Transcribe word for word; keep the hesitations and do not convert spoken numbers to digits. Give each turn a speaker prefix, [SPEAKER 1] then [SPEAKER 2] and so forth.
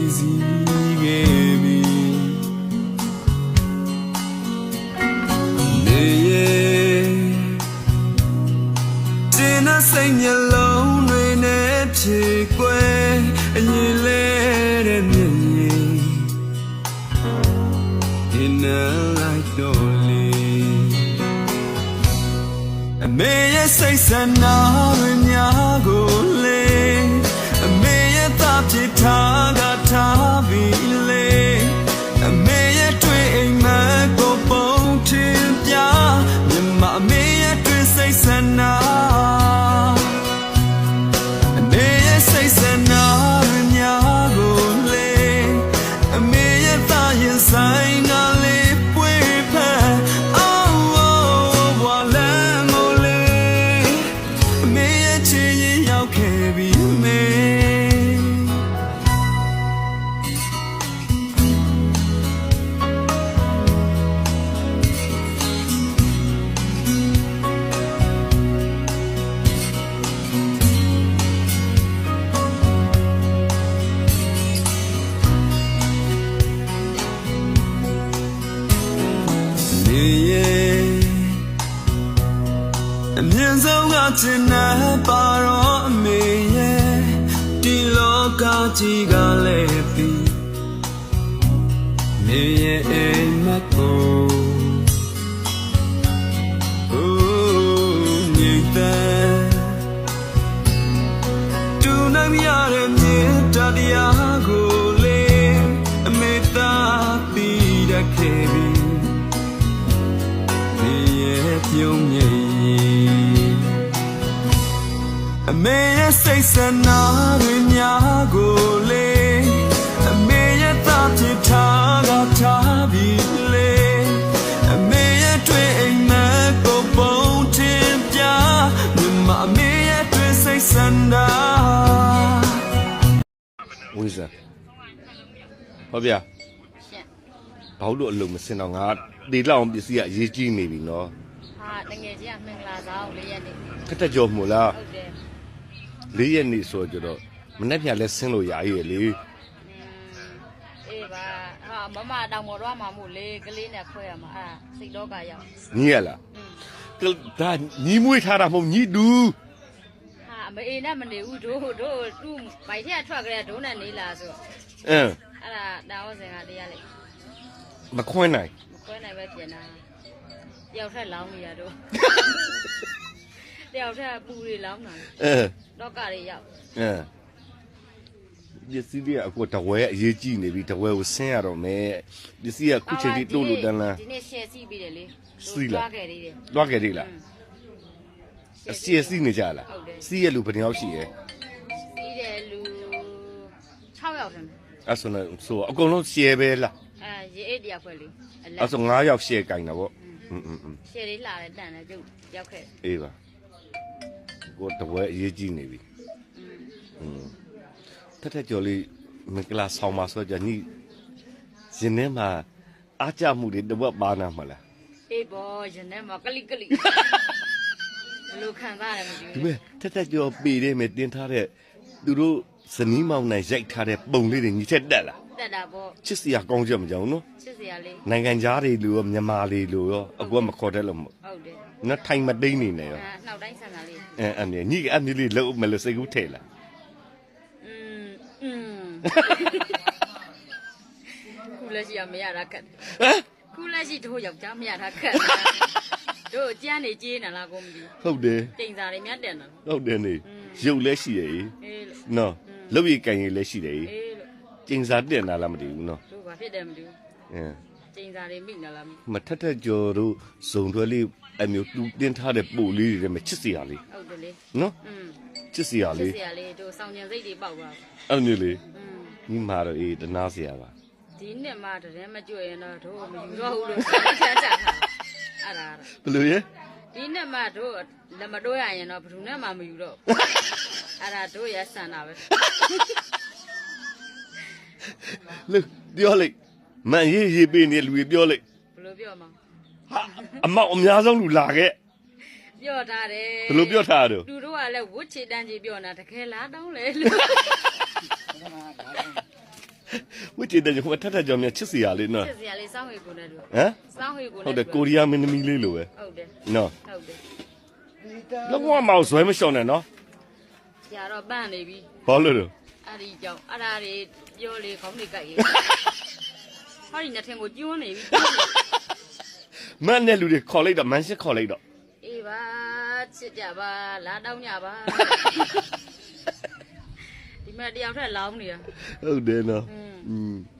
[SPEAKER 1] စီခဲ့ပြီနေရဲ့တင်းနဲ့စိတ်မျက်လုံးတွေနဲ့ဖြေကွယ်အရင်လဲတဲ့မျက်ရည် In a light dolly အမေရဲ့စိတ်ဆန္ဒတွေများကိုလေအမေရဲ့သားဖြစ်ထားကထားပြီးလေအမေရဲ့တွေ့အိမ်မက်ကိုပုံထင်ပြမြမအမေရဲ့တွေ့စိတ်ဆန္ဒအမေရဲ့စိတ်ဆန္ဒတွေများကိုလေအမေရဲ့သားရင်ဆိုင်ကလေးပွေဖက်အော်ဝါလန်မိုလေးအမေရဲ့ချစ်ရင်ရောက်ခဲ့ပြီမေအမြင့်ဆုံးကချင်တဲ့ပါတော့အမေရဲ့ဒီလောကကြီးကလည်းပြီးမေရဲ့အိမ်မက်ကိုအိုးမြေတဲ့တူနိုင်ရတဲ့မြေတရားကိုလေအမေသာပြီးတတ်ခဲ့ပြီမေရဲ့ပြုံးမြေအမေရဲ့စိတ်ဆန္ဒတွေများကိုလေအမေရဲ့သားဖြစ်ထားကထားပြီးလေအမေရဲ့တွေ့အိမ်မက်ကိုပုံထင်ပြမြမအမေရဲ့တွေ့စိတ်ဆန္ဒဝိဇ္ဇာဟုတ်ဗျာဘာလို့အလုံးမစင်တော့ငါဒီလောက်အောင်ပစ္စည်းကအရေးကြီးနေပြီနော်
[SPEAKER 2] ဟာတကယ်ကြီးကမင်္ဂလာဆောင်လေးရက်နေ
[SPEAKER 1] ခက်တက်ကြော်မို့လား
[SPEAKER 2] ဟုတ်တယ်
[SPEAKER 1] လေးရက်နေဆိုကြတော့မနေ့ပြန်လဲဆင်းလို့ရရည်လေ
[SPEAKER 2] အေးပါဟာမမတောင်ပေါ်တော့မှမို့လေကလေးနဲ့ခွဲရမှာအာစိတ်တော့ကရောက်
[SPEAKER 1] ညီရလားဒါညီမွေးထားတာမဟုတ်ညီတူ
[SPEAKER 2] ဟာမအေးနဲ့မနေဘူးတို့တို့သူ့ဗိုက်ထက်ထွက်ကြတဲ့ဒုံးနဲ့နေလာဆို
[SPEAKER 1] အင်း
[SPEAKER 2] အဲ့ဒါတာဝစင်ကတရားလေ
[SPEAKER 1] မခွင်းနိုင်
[SPEAKER 2] မခွင်းနိုင်ပဲပြင်တာတယောက်ထက်လောင်းနေရတော့တယောက်ထက်ပူတွေလောင်းတာ
[SPEAKER 1] အဲ
[SPEAKER 2] တော့ကတွေရောက်
[SPEAKER 1] အဲပစ္စည်းတွေကအခုတဝဲအရေးကြီးနေပြီတဝဲကိုဆင်းရတော့မယ်ပစ္စည်းကခုချိန်ထိတိုးလို့တန်းလား
[SPEAKER 2] ဒီနေ့ရှယ်စီးပြီးတယ်လေ
[SPEAKER 1] စီးလား
[SPEAKER 2] လွှားခဲ့သေးတယ်
[SPEAKER 1] လွှားခဲ့သေးလားအစီအစီးနေကြလားစီးရလူဘယ်နှယောက်ရှိရဲ့
[SPEAKER 2] စီးတယ်လူ၆ယောက်တယ်
[SPEAKER 1] အဲ့ဆိုတော့ဆိုအကုန်လုံးရှယ်ပဲလား
[SPEAKER 2] အဲရေအိတ်တရားဖွဲ့လေ
[SPEAKER 1] အဲ့ဆို၅ယောက်ရှယ်ကင်တာပေါ့อืมอืม
[SPEAKER 2] ရှယ်လေးလာတယ်တန်တယ်ကျုပ်ရောက်ခဲ့
[SPEAKER 1] အေးပါကိုတဝဲအရေးကြီးနေပြီอืมထက်ထက်ကျော်လေးမင်္ဂလာဆောင်ပါဆိုကြညီရင်ထဲမှာအားကြမှုတွေတဝက်ပါနာမလား
[SPEAKER 2] အေးဘောရင်ထဲမှာကလိကလိဘလို့ခံစားရတယ်မသိဘူး
[SPEAKER 1] ဒီမဲ့ထက်ထက်ကျော်ပေတဲ့မဲ့တင်ထားတဲ့သူတို့ဇနီးမောင်နိုင်ရိုက်ထားတဲ့ပုံလေးတွေညီထက်တက်လား
[SPEAKER 2] တက်တာပေါ့
[SPEAKER 1] ချစ်စရာကောင်းချက်မကြောက်နော်
[SPEAKER 2] ချစ်စရာလေး
[SPEAKER 1] နိုင်ငံသားတွေလူရောမြန်မာတွေလူရောအကူကမခေါ်တတ်လို့မဟုတ်
[SPEAKER 2] ဟုတ်တယ်
[SPEAKER 1] နော်ထိုင်မတိန်နေနေရော
[SPEAKER 2] နှောက်တိုင်းဆန်တာလေး
[SPEAKER 1] အဲအဲ့ညီကအမျိုးလေးလုံးမလို့စိတ်ကူးထဲလား
[SPEAKER 2] อืมอืมခုလက်ရှိမရတာခက်ဟမ်ခုလက်ရှိတို့ယောက်ျားမရတာခက်တို့ကြမ်းနေကြေးနေလားကိုမသိ
[SPEAKER 1] ဟုတ်တယ်
[SPEAKER 2] တိမ်စာတွေမြတ်တယ်နော်
[SPEAKER 1] ဟုတ်တယ်နေရုပ်လည်းရှိရည်နော်လုတ်ရည်ကန်ရည်လည်းရှိတယ်
[SPEAKER 2] အေး
[SPEAKER 1] ကျင်းစာတက်နာလားမသိဘူးနော်
[SPEAKER 2] တို့ဘာဖြစ်တယ်မသိဘူး
[SPEAKER 1] အင်း
[SPEAKER 2] ကျင်းစာတွေမိနေလား
[SPEAKER 1] မထက်ထက်ကျော်တို့ဇုံတွဲလေးအမျိုးတူတင်းထားတဲ့ပို့လေးတွေမှာချစ်စရာလေး
[SPEAKER 2] ဟုတ်တယ်လေ
[SPEAKER 1] နော်อืมချစ်စရာလေး
[SPEAKER 2] ချစ်စရာလေးတို့ဆောင်ကျင်စိတ်တွေပေါက်သွား
[SPEAKER 1] အဲ့မျိုးလေးอืมညီမတော့အေးတနာစရာပါ
[SPEAKER 2] ဒီနှစ်မှတည်းမကြွရင်တော့တို့မယူတော့ဘူးလို့ချမ်းချတာအဲ့ဒါ
[SPEAKER 1] ဘယ်လိုရဲ
[SPEAKER 2] ဒီနှစ်မှတို့လက်မတိုးရရင်တော့ဘယ်သူနဲ့မှမယူတော့အဲ့ဒါတို့ရဆန်တာပဲ
[SPEAKER 1] လူပြောလိုက်မန်ရေးရေးပေးနေလူတွေပြောလိုက်
[SPEAKER 2] ဘယ်လိုပြောမှာ
[SPEAKER 1] ဟာအမောက်အများဆုံးလူလာခဲ့
[SPEAKER 2] ပြောထားတယ်
[SPEAKER 1] ဘယ်လိုပြောထားတော့
[SPEAKER 2] သူတို့ကလည်းဝတ်ချေတန်းကြီးပြောနေတာတကယ်လားတောင်းလေလို့
[SPEAKER 3] ဝိတေတဲ့ဟိုထထကြောင်မြချစ်စီရလေးနော်
[SPEAKER 2] စစ်စရာလေးစောင်းဟွေကိုနဲ့တို့
[SPEAKER 3] ဟမ်
[SPEAKER 2] စောင်းဟွေကို
[SPEAKER 3] ဟုတ်
[SPEAKER 2] နဲ့
[SPEAKER 3] တယ်ကိုရီးယားမင်းသမီးလေးလိုပဲ
[SPEAKER 2] ဟုတ်တယ်
[SPEAKER 3] နော်
[SPEAKER 2] ဟုတ်တယ်
[SPEAKER 3] လောကမောင်ဆွဲမလျှော့နဲ့နော်
[SPEAKER 2] ကြာတော့ပန့်နေပြီ
[SPEAKER 3] ဘာလို့လဲ
[SPEAKER 2] အဲ့ဒီကြောင့်အဲ့ဒါတွေပြောလေခေါင်းတွေကြိုက်ရေးဟောဒီနှစ်ထင်ကိုကျွန်းနေပြီ
[SPEAKER 3] မန်နဲ့လူတွေခေါ်လိုက်တော့မန်ရှစ်ခေါ်လိုက်တော့
[SPEAKER 2] အေးပါချစ်ကြပါလာတောင်းကြပါဒီမှာတယောက်ထက်လောင်းနေတာ
[SPEAKER 3] ဟုတ်တယ်နော်
[SPEAKER 2] อืม
[SPEAKER 3] อืม